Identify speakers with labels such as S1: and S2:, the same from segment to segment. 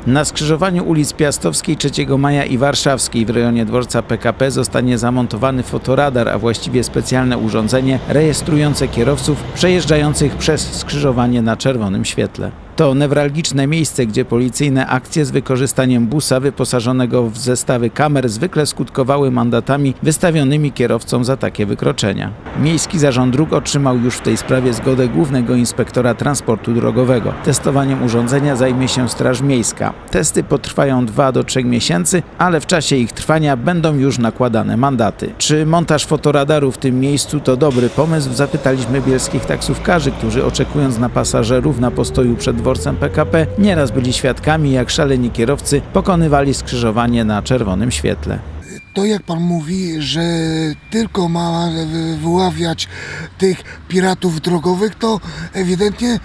S1: Na skrzyżowaniu ulic Piastowskiej, 3 Maja i Warszawskiej w rejonie dworca PKP zostanie zamontowany fotoradar, a właściwie specjalne urządzenie rejestrujące kierowców przejeżdżających przez skrzyżowanie na czerwonym świetle. To newralgiczne miejsce, gdzie policyjne akcje z wykorzystaniem busa wyposażonego w zestawy kamer zwykle skutkowały mandatami wystawionymi kierowcom za takie wykroczenia. Miejski Zarząd Dróg otrzymał już w tej sprawie zgodę Głównego Inspektora Transportu Drogowego. Testowaniem urządzenia zajmie się Straż Miejska. Testy potrwają 2 do 3 miesięcy, ale w czasie ich trwania będą już nakładane mandaty. Czy montaż fotoradaru w tym miejscu to dobry pomysł? Zapytaliśmy bielskich taksówkarzy, którzy oczekując na pasażerów na postoju przed dworcem PKP nieraz byli świadkami, jak szaleni kierowcy pokonywali skrzyżowanie na czerwonym świetle.
S2: To jak pan mówi, że tylko ma wyławiać tych piratów drogowych, to ewidentnie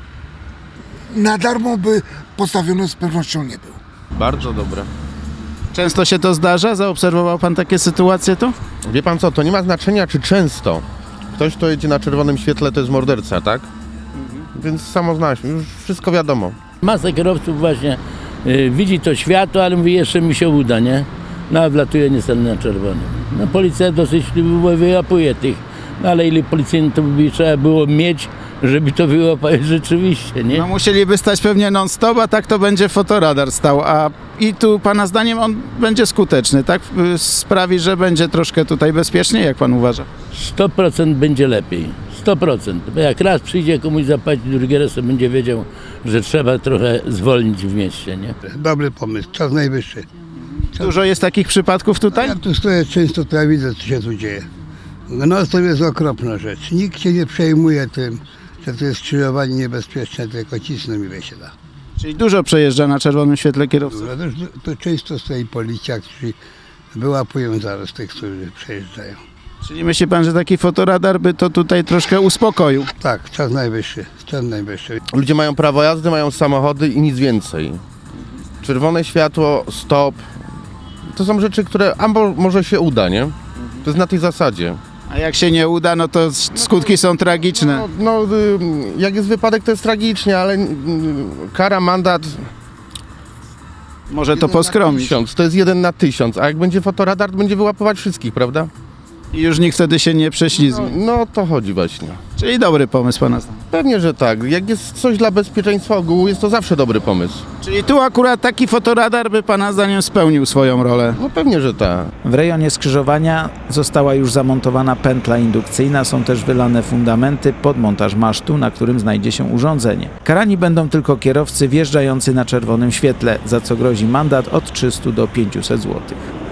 S2: na darmo by postawiony z pewnością nie był.
S3: Bardzo dobre.
S1: Często się to zdarza? Zaobserwował pan takie sytuacje tu?
S3: Wie pan co, to nie ma znaczenia czy często. Ktoś, kto jedzie na czerwonym świetle, to jest morderca, tak? Więc samo zna się, już wszystko wiadomo.
S4: Masa kierowców właśnie widzi to światło, ale mówi, jeszcze mi się uda, nie? No a wlatuje niestety na czerwonym. No policja dosyć wyłapuje tych, no ale ile policjantów by trzeba było mieć, żeby to wyłapać rzeczywiście, nie?
S1: No musieliby stać pewnie non-stop, a tak to będzie fotoradar stał, i tu pana zdaniem on będzie skuteczny, tak? Sprawi, że będzie troszkę tutaj bezpieczniej, jak pan uważa?
S4: 100% będzie lepiej, 100%. Bo jak raz przyjdzie komuś zapłacić, drugi raz to będzie wiedział, że trzeba trochę zwolnić w mieście, nie?
S5: Dobry pomysł, czas najwyższy.
S1: Dużo jest takich przypadków tutaj?
S5: Ja tu stoję często, to ja widzę, co się tu dzieje. No to jest okropna rzecz. Nikt się nie przejmuje tym, że to jest skrzyżowanie niebezpieczne, tylko cisną ile się da.
S1: Czyli dużo przejeżdża na czerwonym świetle kierowców?
S5: To często stoi policja, którzy wyłapują zaraz tych, którzy przejeżdżają.
S1: Czyli myśli pan, że taki fotoradar by to tutaj troszkę uspokoił?
S5: Tak, czas najwyższy, czas najwyższy.
S3: Ludzie mają prawo jazdy, mają samochody i nic więcej. Czerwone światło, stop. To są rzeczy, które albo może się uda, nie? To jest na tej zasadzie.
S1: A jak się nie uda, no to skutki są tragiczne.
S3: Jak jest wypadek, to jest tragicznie, ale kara, mandat...
S1: Może to poskromić.
S3: To jest 1 na 1000, a jak będzie fotoradar, to będzie wyłapywać wszystkich, prawda?
S1: I już nikt wtedy się nie prześlizgnie.
S3: No to chodzi właśnie.
S1: Czyli dobry pomysł pana zdaniem.
S3: Pewnie, że tak. Jak jest coś dla bezpieczeństwa ogółu, jest to zawsze dobry pomysł.
S1: Czyli tu akurat taki fotoradar by pana zdaniem spełnił swoją rolę.
S3: No pewnie, że tak.
S1: W rejonie skrzyżowania została już zamontowana pętla indukcyjna, są też wylane fundamenty pod montaż masztu, na którym znajdzie się urządzenie. Karani będą tylko kierowcy wjeżdżający na czerwonym świetle, za co grozi mandat od 300 do 500 zł.